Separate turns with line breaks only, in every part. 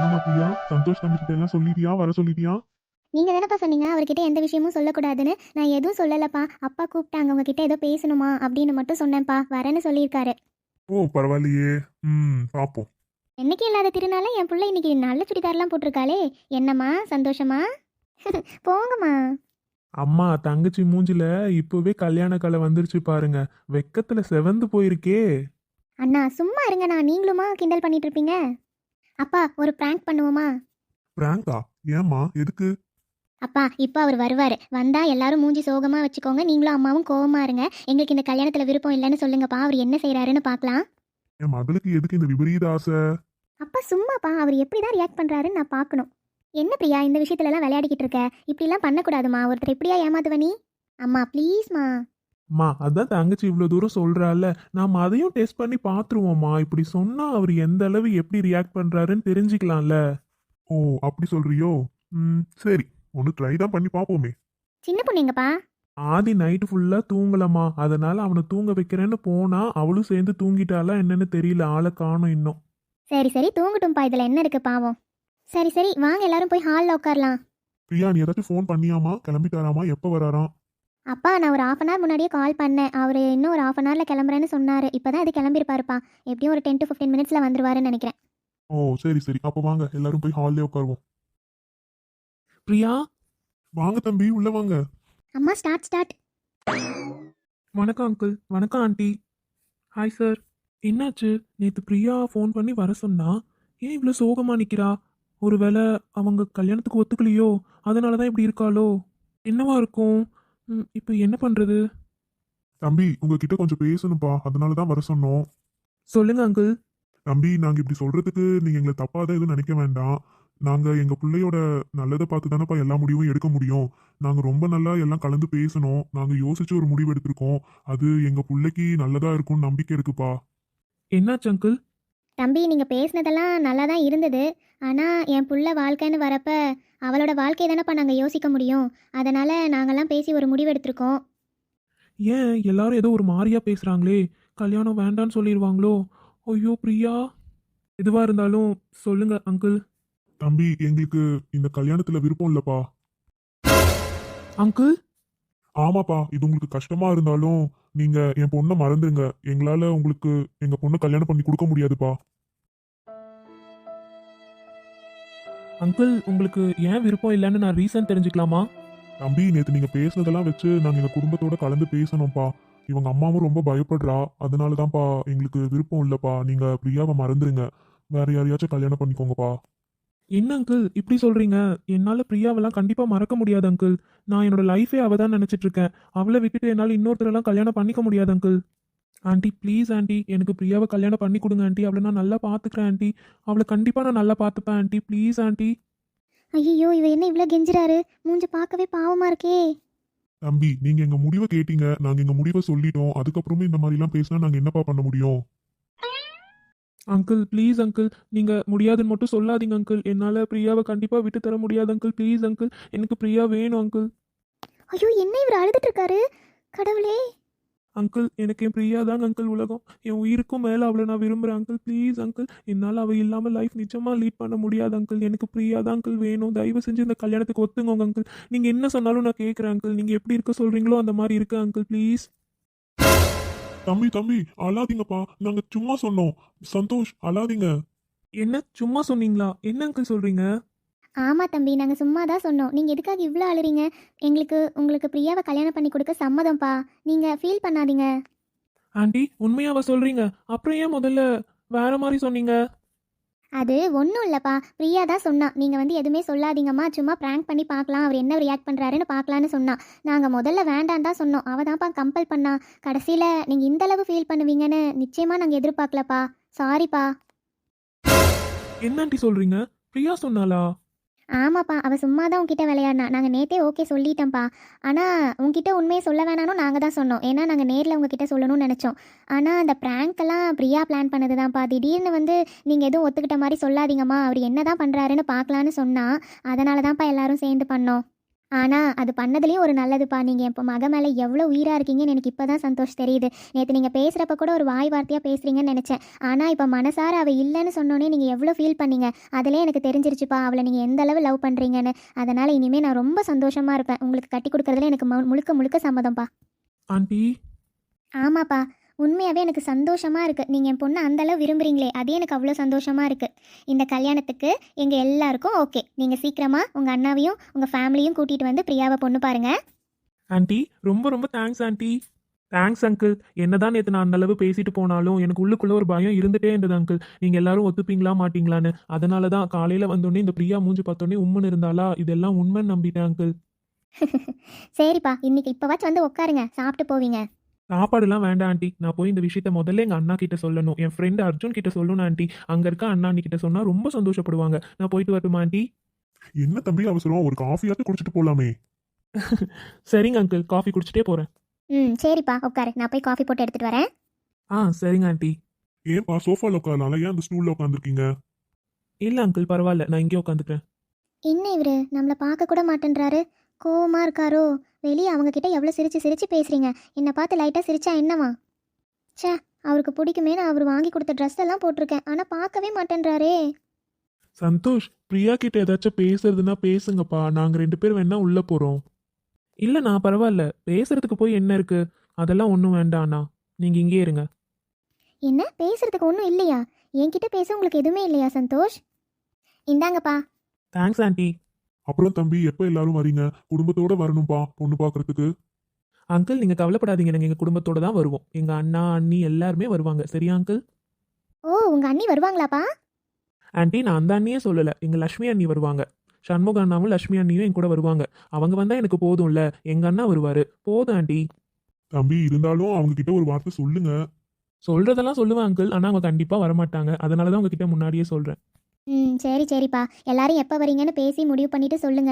ஆமா பிரியா, சந்தோஷ் தம்பி கிட்ட எல்லாம் சொல்லிட்டியா, வர சொல்லிட்டியா?
நீங்க தானப்பா சொன்னீங்க அவர்கிட்ட எந்த விஷயமும் சொல்லக்கூடாதுன்னு. நான் எதுவும் சொல்லலப்பா. அப்பா கூப்பிட்டாங்க உங்ககிட்ட ஏதோ பேசணுமா அப்படின்னு மட்டும் சொன்னேன்ப்பா. வரேன்னு சொல்லியிருக்காரு.
ஓ பரவாயில்லையே. பாப்போம்.
என்னைக்கு இல்லாத திருநாள என் புள்ள இன்னைக்கு நல்ல சுடிதார்லாம் போட்டிருக்காளே. என்னம்மா சந்தோஷமா? போங்கம்மா.
அம்மா தங்கச்சி மூஞ்சில இப்பவே கல்யாண கலை வந்துருச்சு பாருங்க. வெக்கத்துல செவந்து போயிருக்கே.
அண்ணா சும்மா இருங்கண்ணா, நீங்களுமா கிண்டல் பண்ணிட்டு இருப்பீங்க. அப்பா ஒரு பிராங்க் பண்ணுவோமா?
பிராங்கா? ஏம்மா எதுக்கு?
அப்பா இப்போ அவர் வருவார். வந்தா எல்லாரும் மூஞ்சி சோகமா வச்சுக்கோங்க. நீங்களும் அம்மாவும் கோவமா இருங்க. எங்களுக்கு இந்த கல்யாணத்துல விருப்பம் இல்லைன்னு சொல்லுங்கப்பா. அவர் என்ன செய்றாருன்னு பார்க்கலாம்.
என் மகளுக்கு எதுக்கு இந்த விபரீத ஆசை?
அப்பா சும்மாப்பா, அவர் எப்படி தான் ரியாக்ட் பண்ணுறாருன்னு நான் பார்க்கணும். என்ன பிரியா இந்த விஷயத்துலலாம் விளையாடிக்கிட்டு இருக்க? இப்படிலாம் பண்ணக்கூடாதுமா. ஒருத்தர் எப்படியா ஏமாத்துவ நீ? அம்மா ப்ளீஸ்மா.
அம்மா அதான் தங்கச்சி இவ்வளவு தூரம் சொல்றால, நாம அதையும் டெஸ்ட் பண்ணி பாத்துருவோம்மா. இப்படி சொன்னா அவர் எந்த அளவு எப்படி ரியாக்ட் பண்றாருன்னு தெரிஞ்சுக்கலாம்ல. ஓ அப்படி சொல்றியோ? சரி, ஒன்று ட்ரை தான் பண்ணி பார்ப்போமே.
சின்ன பொண்ணு எங்கப்பா?
ஆதி நைட்டு ஃபுல்லா தூங்கலமா, அதனால அவனை தூங்க வைக்கிறேன்னு போனா அவளும் சேர்ந்து தூங்கிட்டாளா என்னன்னு தெரியல. ஆளை காணோம் இன்னும்.
சரி சரி தூங்கட்டும்ப்பா, இதில் என்ன இருக்கு பாவம். சரி சரி வாங்க எல்லாரும் போய் ஹாலில் உட்காரலாம்.
பிரியா நீ ஏதாச்சும் ஃபோன் பண்ணியாமா? கிளம்பிட்டாராமா? எப்போ வராராம்?
அப்பா நான் ஒரு 1/2 முன்னாடியே கால் பண்ணேன். அவர் இன்னும் ஒரு 1/2 கிளம்புறேன்னு சொன்னார். இப்போ தான் அது கிளம்பியிருப்பாருப்பா. எப்படியும் ஒரு 10 to 15 மினிட்ஸில் வந்துருவாருன்னு நினைக்கிறேன்.
ஓ சரி சரி, அப்போ வாங்க எல்லாரும் போய் ஹால்லே உட்காருவோம். பிரியா வாங்க தம்பி, உள்ள வாங்க.
அம்மா ஸ்டார்ட் ஸ்டார்ட்.
வணக்கம் அங்கிள். வணக்கம் ஆண்டி. Hi sir. என்னாச்சு? நேற்று பிரியா ஃபோன் பண்ணி வர சொன்னா, ஏன் இவ்வளோ சோகமா நிற்கிறா? ஒருவேளை அவங்க கல்யாணத்துக்கு ஒத்துக்கலையோ, அதனால தான் இப்படி இருக்காளோ? என்னவா இருக்கும்? இப்போ என்ன பண்ணுறது? தம்பி உங்ககிட்ட கொஞ்சம் பேசணும்ப்பா, அதனால தான் வர சொன்னோம். சொல்லுங்க அங்கிள். தம்பி நாங்கள் இப்படி சொல்றதுக்கு நீங்கள் எங்களை தப்பாக தான் எதுவும் நினைக்க வேண்டாம். நாங்கள் எங்கள் பிள்ளையோட நல்லதை பார்த்து தானேப்பா எல்லா முடிவும் எடுக்க முடியும். நாங்கள் ரொம்ப நல்லா எல்லாம் கலந்து பேசணும். நாங்கள் யோசிச்சு ஒரு முடிவு எடுத்திருக்கோம். அது எங்கள் பிள்ளைக்கு நல்லதா இருக்கும்னு நம்பிக்கை இருக்குப்பா. என்னாச்சு அங்கிள்?
தம்பி நீங்கள் பேசினதெல்லாம் நல்லா தான் இருந்தது. ஆனால் என் புள்ள வாழ்க்கைன்னு வரப்ப அவளோட வாழ்க்கை தானேப்பா நாங்கள் யோசிக்க முடியும். அதனால் நாங்கள்லாம் பேசி ஒரு முடிவு எடுத்திருக்கோம்.
ஏன் எல்லாரும் ஏதோ ஒரு மாதிரியா பேசுறாங்களே? கல்யாணம் வேண்டான்னு சொல்லிடுவாங்களோ? ஐயோ பிரியா. எதுவா இருந்தாலும் சொல்லுங்க அங்கிள். தம்பி எங்களுக்கு இந்த கல்யாணத்துல விருப்பம் இல்லப்பா. அங்கிள். ஆமாப்பா, இது உங்களுக்கு கஷ்டமா இருந்தாலும் நீங்க என் பொண்ணை மறந்துருங்க. எங்களால உங்களுக்கு எங்க பொண்ணை கல்யாணம் பண்ணி கொடுக்க முடியாதுப்பா. அங்கிள் உங்களுக்கு ஏன் விருப்பம் இல்லைன்னு நான் ரீசன் தெரிஞ்சுக்கலாமா? தம்பி நேத்து நீங்க பேசுனதெல்லாம் வச்சு நாங்க எங்க குடும்பத்தோட கலந்து பேசணும்ப்பா. இவங்க அம்மாவும் ரொம்ப பயப்படுறா. அதனாலதான்ப்பா எங்களுக்கு விருப்பம் இல்லப்பா. நீங்க பிரியாவை மறந்துருங்க. வேற யாரையாச்சும் கல்யாணம் பண்ணிக்கோங்கப்பா. என்ன அங்கிள் இப்படி சொல்றீங்க? என்னால பிரியாவெல்லாம் கண்டிப்பா மறக்க முடியாது அங்கிள். நான் என்னோட லைஃபே அவ தான் நினைச்சிட்டு இருக்கேன். அவளை விட்டுட்டு என்னால இன்னொருத்தரெல்லாம் கல்யாணம் பண்ணிக்க முடியாது அங்கிள். ஆண்டி ப்ளீஸ் ஆண்டி, எனக்கு பிரியாவை கல்யாணம் பண்ணி கொடுங்க ஆண்டி. அவளை நான் நல்லா பார்த்துக்கிறேன் ஆண்டி. அவளை கண்டிப்பா நான் நல்லா பார்த்துப்பேன் ஆண்டி. Please aunty.
ஐயோ இவ என்ன இவ்வளோ கெஞ்சுறாரு? மூஞ்சி பார்க்கவே பாவமாக இருக்கே.
தம்பி நீங்க எங்க முடிவை கேட்டீங்க, நாங்க எங்க முடிவை சொல்லிட்டோம். அதுக்கப்புறமே இந்த மாதிரி எல்லாம் பேசினா நாங்க என்னப்பா பண்ண முடியும்? அங்கிள் ப்ளீஸ் அங்கிள், நீங்க முடியாதுன்னு மட்டும் சொல்லாதீங்க அங்கிள். என்னால பிரியாவை கண்டிப்பா விட்டு தர முடியாது அங்கிள். ப்ளீஸ் அங்கிள், எனக்கு பிரியா வேணும் அங்கிள்.
ஐயோ என்ன இவர் அழுதுட்டு இருக்காரு? கடவுளே.
அங்கிள் எனக்கு என் பிரியா தாங்க அங்கிள் உலகம். என் உயிருக்கும் மேல அவளை நான் விரும்புறேன் அங்கிள். ப்ளீஸ் அங்கிள், என்னால் அவள் இல்லாம லைஃப் நிஜமா லீட் பண்ண முடியாது அங்கிள். எனக்கு பிரியா தான் அங்கிள் வேணும். தயவு செஞ்சு இந்த கல்யாணத்துக்கு ஒத்துங்கோங்க அங்கிள். நீங்க என்ன சொன்னாலும் நான் கேட்குறேன் அங்கிள். நீங்க எப்படி இருக்க சொல்றீங்களோ அந்த மாதிரி இருக்கு அங்கிள். ப்ளீஸ். தம்பி தம்பி அழாதீங்கப்பா, நாங்க சும்மா சொன்னோம். சந்தோஷ் அழாதீங்க. என்ன சும்மா சொன்னீங்களா? என்ன அங்கிள் சொல்றீங்க?
ஆமாம் தம்பி நாங்கள் சும்மா தான் சொன்னோம். நீங்கள் எதுக்காக இவ்வளோ அழுறீங்க? உங்களுக்கு பிரியாவை கல்யாணம் பண்ணி கொடுக்க சம்மதம்ப்பா. நீங்கள் ஃபீல் பண்ணாதீங்க.
ஆண்டி உண்மையாவா சொல்றீங்க? அப்புறம் ஏன் முதல்ல வேற மாதிரி சொன்னீங்க?
அது ஒன்றும் இல்லைப்பா. பிரியா தான் சொன்னா. நீங்கள் எதுவுமே சொல்லாதீங்கம்மா, சும்மா ப்ராங்க் பண்ணி பார்க்கலாம், அவர் என்ன ரியாக்ட் பண்ணுறாருன்னு பார்க்கலான்னு சொன்னா. நாங்கள் முதல்ல வேண்டான்னு தான் சொன்னோம். அவள் தான்ப்பா கம்பல் பண்ணா. கடைசியில் நீங்கள் இந்த அளவு ஃபீல் பண்ணுவீங்கன்னு நிச்சயமாக நாங்கள் எதிர்பார்க்கலப்பா. சாரிப்பா.
என்ன ஆண்டி சொல்றீங்க? பிரியா சொன்னாலா?
ஆமாப்பா, அவள் சும்மா தான் உங்ககிட்ட விளையாடினா. நாங்கள் நேற்றே ஓகே சொல்லிட்டோம்ப்பா. ஆனால் உங்ககிட்ட உண்மையை சொல்ல வேணாலும் நாங்கள் தான் சொன்னோம். ஏன்னா நாங்கள் நேரில் உங்ககிட்ட சொல்லணும்னு நினச்சோம். ஆனால் அந்த ப்ராங்க்கெல்லாம் பிரியா பிளான் பண்ணது தான்ப்பா. திடீர்னு நீங்கள் எதுவும் ஒத்துக்கிட்ட மாதிரி சொல்லாதீங்கம்மா, அவர் என்ன தான் பண்ணுறாருன்னு பார்க்கலான்னு சொன்னால், அதனால தான்ப்பா எல்லாரும் சேர்ந்து பண்ணோம். ஆனால் அது பண்ணதுலேயும் ஒரு நல்லதுப்பா. நீங்கள் இப்போ மக மேலே எவ்வளோ உயிராக இருக்கீங்கன்னு எனக்கு இப்போ தான் சந்தோஷ் தெரியுது. நேற்று நீங்கள் பேசுகிறப்ப கூட ஒரு வாய் வார்த்தையாக பேசுகிறீங்கன்னு நினச்சேன். ஆனால் இப்போ மனசார அவள் இல்லைன்னு சொன்னோன்னே நீங்கள் எவ்வளோ ஃபீல் பண்ணீங்க. அதிலே எனக்கு தெரிஞ்சிருச்சுப்பா அவளை நீங்கள் எந்த அளவு லவ் பண்ணுறீங்கன்னு. அதனால் இனிமேல் நான் ரொம்ப சந்தோஷமாக இருப்பேன். உங்களுக்கு கட்டி கொடுக்குறதுல எனக்கு முழுக்க முழுக்க சம்மதம்ப்பா.
ஆண்டி.
ஆமாப்பா, உண்மையாகவே எனக்கு சந்தோஷமாக இருக்குது. நீங்கள் என் பொண்ணை அந்தளவு விரும்புகிறீங்களே, அதே எனக்கு அவ்வளோ சந்தோஷமாக இருக்குது. இந்த கல்யாணத்துக்கு எங்கள் எல்லாருக்கும் ஓகே. நீங்கள் சீக்கிரமாக உங்கள் அண்ணாவையும் உங்கள் ஃபேமிலியும் கூட்டிகிட்டு வந்து பிரியாவை பொண்ணு பாருங்கள்.
ஆண்டி ரொம்ப ரொம்ப தேங்க்ஸ் ஆண்டி. Thanks uncle. என்னதான் நேற்று நான் அந்த அளவு பேசிட்டு போனாலும் எனக்கு உள்ளுக்குள்ள ஒரு பயம் இருந்துட்டே இருந்தது அங்கிள். நீங்கள் எல்லாரும் ஒத்துப்பீங்களா மாட்டீங்களான்னு. அதனால தான் காலையில் வந்தோடனே இந்த பிரியா மூஞ்சி பார்த்தோன்னே உண்மைன்னு இருந்தாலா இதெல்லாம் உண்மைன்னு நம்பிட்டேன் அங்கிள்.
சரிப்பா, இன்னைக்கு இப்போவாச்சும் வந்து உட்காருங்க, சாப்பிட்டு போவீங்க.
சாப்பாடுலாம் வேண்டாம் ஆண்டி. நான் போய் இந்த விஷயத்த முதல்ல எங்கள் அண்ணா கிட்ட சொல்லணும். என் ஃப்ரெண்டு அர்ஜுன் கிட்ட சொல்லணும் ஆண்டி. அங்கே இருக்க அண்ணா அண்ணி கிட்ட சொன்னால் ரொம்ப சந்தோஷப்படுவாங்க. நான் போயிட்டு வரட்டுமா ஆண்டி?
என்ன தம்பி அவசரம்? ஒரு காஃபியாவது குடிச்சிட்டு போலாமே.
சரிங்க அங்கிள், காஃபி குடிச்சிட்டே போகிறேன்.
சரிப்பா உட்காரு, நான் போய் காஃபி போட்டு எடுத்துகிட்டு வரேன்.
சரிங்க ஆண்டி.
ஏன்பா சோஃபால உட்காரலாம், ஏன் அந்த ஸ்டூல்ல உட்காந்துருக்கீங்க?
இல்லை அங்கிள் பரவாயில்ல, நான் இங்கே உட்காந்துக்கிறேன்.
என்ன இவரு நம்மளை பார்க்க கூட மாட்டேன்றாரு? கோவமாக இருக்காரோ? வெளியே அவங்கக்கிட்ட எவ்வளோ சிரிச்சு சிரிச்சு பேசுகிறீங்க, என்னை பார்த்து லைட்டாக சிரிச்சா என்னவா? ச்சே, அவருக்கு பிடிக்குமே நான் அவர் வாங்கி கொடுத்த ட்ரெஸ் எல்லாம் போட்டிருக்கேன், ஆனால் பார்க்கவே மாட்டேன்றாரே.
சந்தோஷ், பிரியா கிட்ட ஏதாச்சும் பேசுறதுன்னா பேசுங்கப்பா. நாங்க 2 பேர் வேணா உள்ள போறோம்.
இல்லை நான் பரவாயில்ல, பேசுறதுக்கு போய் என்ன இருக்கு? அதெல்லாம் ஒன்றும் வேண்டாண்ணா, நீங்கள் இங்கே இருங்க.
என்ன பேசுறதுக்கு ஒன்றும் இல்லையா? என்கிட்ட பேச உங்களுக்கு எதுவுமே இல்லையா சந்தோஷ்? இந்தாங்கப்பா.
Thanks aunty.
அப்புறம் தம்பி, எப்ப எல்லாரும் வரீங்க? குடும்பத்தோட வரணும்பா பொண்ணு பாக்குறதுக்கு.
அங்கிள் நீங்கள் கவலைப்படாதீங்க, நாங்கள் எங்கள் குடும்பத்தோடு தான் வருவோம். எங்கள் அண்ணா அண்ணி எல்லாருமே வருவாங்க. சரியா அங்கிள்?
ஓ, உங்கள் அண்ணி வருவாங்களாப்பா?
ஆண்டி நான் அந்த அண்ணியே சொல்லலை, எங்கள் லக்ஷ்மி அண்ணி வருவாங்க. சண்முக அண்ணாவும் லக்ஷ்மி அண்ணியும் என் கூட வருவாங்க. அவங்க வந்தால் எனக்கு போதும்ல, எங்கள் அண்ணா வருவார். போதும் ஆண்டி.
தம்பி இருந்தாலும் அவங்க கிட்ட ஒரு வார்த்தை சொல்லுங்க.
சொல்கிறதெல்லாம் சொல்லுவேன் அங்கிள், ஆனால் அவங்க கண்டிப்பாக வரமாட்டாங்க. அதனால தான் உங்ககிட்ட முன்னாடியே சொல்கிறேன்.
சரி சரிப்பா, எல்லாரும் எப்போ வரீங்கன்னு பேசி முடிவு பண்ணிட்டு சொல்லுங்க.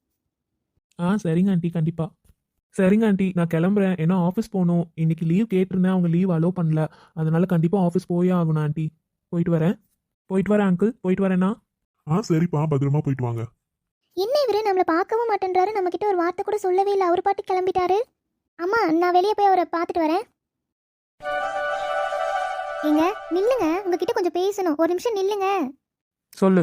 சரிங்க ஆண்டி, கண்டிப்பாக. சரிங்க ஆண்டி, நான் கிளம்புறேன். ஏன்னா ஆஃபீஸ் போகணும். இன்னைக்கு லீவ் கேட்டிருந்தேன், அவங்க லீவ் அலோவ் பண்ணல. அதனால கண்டிப்பாக ஆஃபீஸ் போயே ஆகணும் ஆண்டி. போயிட்டு வரேன். போயிட்டு வரேன் அங்கிள், போயிட்டு வரேண்ணா.
சரிப்பா, பத்திரமா போயிட்டு வாங்க.
என்ன இவரு நம்மளை பார்க்கவும் மாட்டேன்றாரு, நம்மக்கிட்ட ஒரு வார்த்தை கூட சொல்லவே இல்லை, அவர் பாட்டு கிளம்பிட்டாரு. அம்மா, நான் வெளியே போய் அவரை பார்த்துட்டு வரேன். ஏங்க நில்லுங்க, உங்ககிட்ட கொஞ்சம் பேசணும். ஒரு நிமிஷம் நில்லுங்க.
சொல்லு.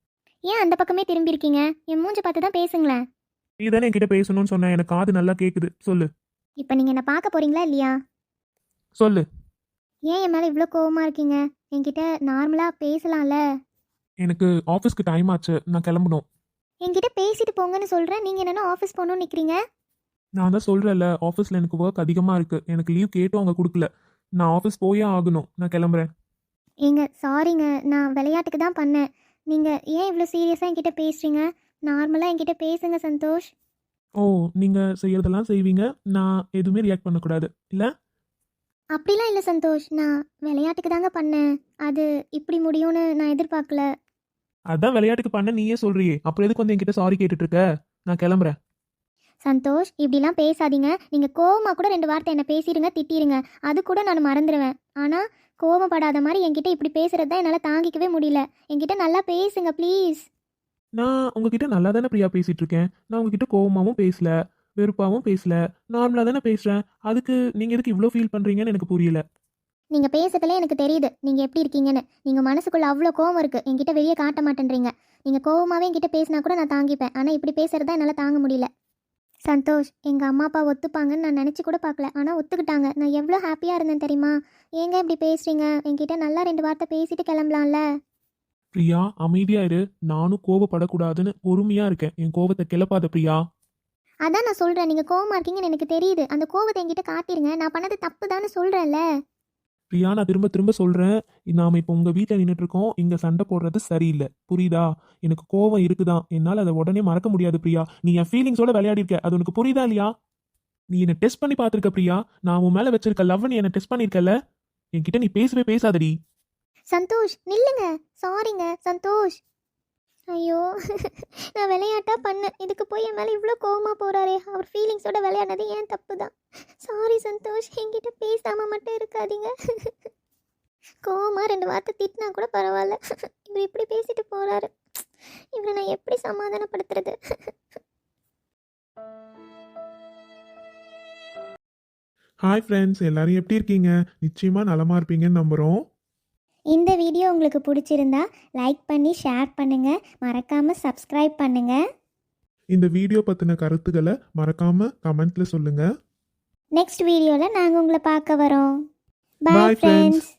ஏன் அந்த பக்கமே திரும்பி இருக்கீங்க? என் மூஞ்ச பார்த்து தான் பேசுங்களேன்.
நீ தானே என்கிட்ட பேசணும்னு சொன்ன, எனக்கு காது நல்லா கேட்குது. சொல்லு.
இப்போ நீங்கள் என்ன பார்க்க போறீங்களா இல்லையா?
சொல்லு.
ஏன் என் மேலே இவ்வளோ கோவமாக இருக்கீங்க? என்கிட்ட நார்மலாக பேசலாம்ல?
எனக்கு ஆஃபீஸ்க்கு டைம் ஆச்சு, நான் கிளம்பணும்.
என்கிட்ட பேசிட்டு போங்கன்னு சொல்கிறேன், நீங்கள் என்னென்னா ஆஃபீஸ் போகணும்னு நிற்கிறீங்க.
நான் தான் சொல்கிறேன்ல, ஆஃபீஸில் எனக்கு ஒர்க் அதிகமாக இருக்குது. எனக்கு லீவ் கேட்டும் அவங்க கொடுக்கல. நான் ஆஃபீஸ் போயே ஆகணும். நான் கிளம்புறேன்.
ஏங்க சாரிங்க, நான் விளையாட்டுக்கு தான் பண்ணேன். நீங்கள் ஏன் இவ்வளோ சீரியஸாக என்கிட்ட பேசுகிறீங்க? நார்மலாக என்கிட்ட பேசுங்க சந்தோஷ்.
ஓ, நீங்கள் செய்யறதெல்லாம் செய்வீங்க, நான் எதுவுமே ரியாக்ட் பண்ணக்கூடாது இல்லை?
அப்படிலாம் இல்லை சந்தோஷ், நான் விளையாட்டுக்கு தாங்க பண்ணேன். அது இப்படி முடியும்னு நான் எதிர்பார்க்கல.
அதான் விளையாட்டுக்கு பண்ண நீயே சொல்றியே, அப்புறம் எதுக்கு வந்து என்கிட்ட சாரி கேட்டுட்டு இருக்க? நான் கிளம்புறேன்.
சந்தோஷ், இப்படிலாம் பேசாதீங்க. நீங்கள் கோவமாக கூட 2 வார்த்தை என்னை பேசிடுங்க, திட்டிடுங்க, அது கூட நான் மறந்துடுவேன். ஆனால் கோவப்படாத மாதிரி என்கிட்ட இப்படி பேசுகிறது தான் என்னால் தாங்கிக்கவே முடியல. என்கிட்ட நல்லா பேசுங்க ப்ளீஸ்.
நான் உங்ககிட்ட நல்லா தானே பிரியா பேசிட்டு இருக்கேன். நான் உங்ககிட்ட கோவமாகவும் பேசல, வெறுப்பாகவும் பேசல, நார்மலாக தானே பேசுகிறேன். அதுக்கு நீங்கள் எதுக்கு இவ்வளோ ஃபீல் பண்ணுறீங்கன்னு எனக்கு புரியல.
நீங்கள் பேசுறதுல எனக்கு தெரியுது நீங்கள் எப்படி இருக்கீங்கன்னு. நீங்கள் மனசுக்குள்ளே அவ்வளோ கோவம் இருக்குது, என்கிட்ட வெளியே காட்ட மாட்டேன்றீங்க. நீங்கள் கோவமாகவே என்கிட்ட பேசினா கூட நான் தாங்கிப்பேன், ஆனால் இப்படி பேசுகிறது தான் என்னால் தாங்க முடியல. சந்தோஷ், எங்கள் அம்மா அப்பா ஒத்துப்பாங்கன்னு நான் நினச்சி கூட பார்க்கல, ஆனால் ஒத்துக்கிட்டாங்க. நான் எவ்வளோ ஹாப்பியாக இருந்தேன் தெரியுமா? ஏங்க இப்படி பேசுகிறீங்க? என்கிட்ட நல்லா 2 வார்த்தை பேசிட்டு கிளம்பலாம்ல?
பிரியா அமைதியா இரு. நானும் கோவப்படக்கூடாதுன்னு பொறுமையா இருக்கேன். என் கோவத்தை கிளப்பாத பிரியா.
அதான் நான் சொல்கிறேன், நீங்கள் கோவமாக இருக்கீங்கன்னு எனக்கு தெரியுது. அந்த கோவத்தை என்கிட்ட காட்டிடுங்க. நான் பண்ணது தப்பு தான்னு சொல்கிறேன்ல.
பிரியா நான் திரும்ப திரும்ப சொல்றேன், நாம இப்போ உங்க வீட்டில் நின்றுட்டு இருக்கோம். இங்க சண்டை போடுறது சரியில்லை, புரியுதா? எனக்கு கோவம் இருக்குதான், என்னால் அதை உடனே மறக்க முடியாது பிரியா. நீ என் ஃபீலிங்ஸோட விளையாடி இருக்க, அது உனக்கு புரியுதா இல்லையா? நீ என்னை டெஸ்ட் பண்ணி பார்த்துருக்க பிரியா. நான் உன் மேல வச்சிருக்க லவ் நீ என்னை டெஸ்ட் பண்ணியிருக்கல. என்கிட்ட நீ பேசவே பேசாதடி.
சந்தோஷ் நில்லுங்க. சாரிங்க சந்தோஷ். ஐயோ, நான் விளையாட்டா பண்ணேன். இதுக்கு போய் என் மேலே இவ்வளோ கோவமாக போகிறாரே. அவர் ஃபீலிங்ஸோட விளையாடுனது ஏன் தப்பு தான். சாரி சந்தோஷ், என்கிட்ட பேசாமல் மட்டும் இருக்காதீங்க. கோவமாக 2 வார்த்தை திட்டினா கூட பரவாயில்ல, இவர் இப்படி பேசிட்டு போகிறாரு. இவரை நான் எப்படி சமாதானப்படுத்துறது?
ஹாய் ஃப்ரெண்ட்ஸ், எல்லாரும் எப்படி இருக்கீங்க? நிச்சயமா நலமா இருப்பீங்கன்னு நம்புறோம்.
இந்த வீடியோ உங்களுக்கு பிடிச்சிருந்தா லைக் பண்ணி ஷேர் பண்ணுங்கள், மறக்காமல் சப்ஸ்கிரைப் பண்ணுங்கள்.
இந்த வீடியோ பத்தின கருத்துக்களை மறக்காம கமெண்ட்ல சொல்லுங்க.
நெக்ஸ்ட் வீடியோவில் நாங்கள் உங்களை பார்க்க வரோம்.
Bye,
bye
friends.
ஃப்ரெண்ட்ஸ்.